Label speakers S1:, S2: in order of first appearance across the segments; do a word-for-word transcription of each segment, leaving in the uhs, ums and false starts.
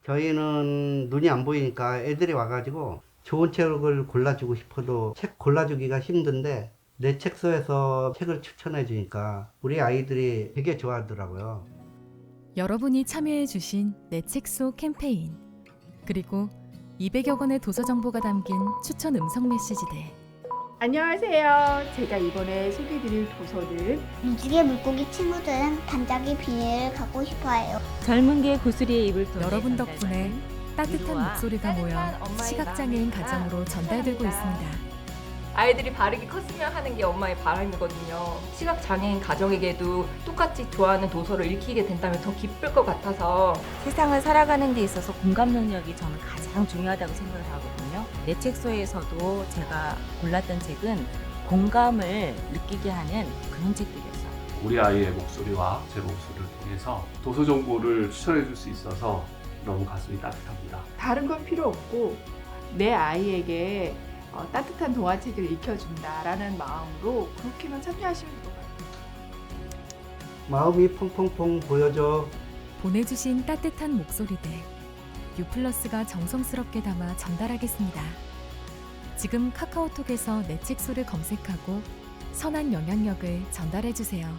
S1: 저희는 눈이 안 보이니까 애들이 와가지고 좋은 책을 골라주고 싶어도 책 골라주기가 힘든데 내 책소에서 책을 추천해 주니까 우리 아이들이 되게 좋아하더라고요.
S2: 여러분이 참여해 주신 내 책소 캠페인, 그리고 이백여 권의 도서 정보가 담긴 추천 음성 메시지들.
S3: 안녕하세요. 제가 이번에 소개드릴 도서는
S4: 미주의 물고기 친구들은 단짝의 비닐을 갖고 싶어해요.
S5: 젊은 개 구슬이의 입을 토해
S2: 여러분
S5: 전달받는
S2: 덕분에 따뜻한
S5: 위로와
S2: 목소리가 모여
S5: 따뜻한 엄마의
S2: 시각장애인
S5: 마음이니까
S2: 가정으로 전달되고
S5: 사랑합니다.
S2: 있습니다.
S6: 아이들이 바르게 컸으면 하는 게 엄마의 바람이거든요. 시각장애인 가정에게도 똑같이 좋아하는 도서를 읽히게 된다면 더 기쁠 것 같아서
S5: 세상을 살아가는 데 있어서 공감 능력이 저는 가장 중요하다고 생각을 하거든요. 내 책소에서도 제가 골랐던 책은 공감을 느끼게 하는 그런 책들이었어요.
S7: 우리 아이의 목소리와 제 목소리를 통해서 도서 정보를 추천해 줄 수 있어서 너무 가슴이 따뜻합니다.
S3: 다른 건 필요 없고 내 아이에게 어, 따뜻한 동화책을 읽혀준다라는 마음으로 그렇게만 참여하시면 될 것 같아요.
S1: 마음이 퐁퐁퐁 보여줘.
S2: 보내주신 따뜻한 목소리들, 유플러스가 정성스럽게 담아 전달하겠습니다. 지금 카카오톡에서 내 책소를 검색하고 선한 영향력을 전달해주세요.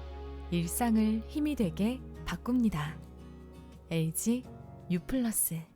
S2: 일상을 힘이 되게 바꿉니다. 엘지 유플러스.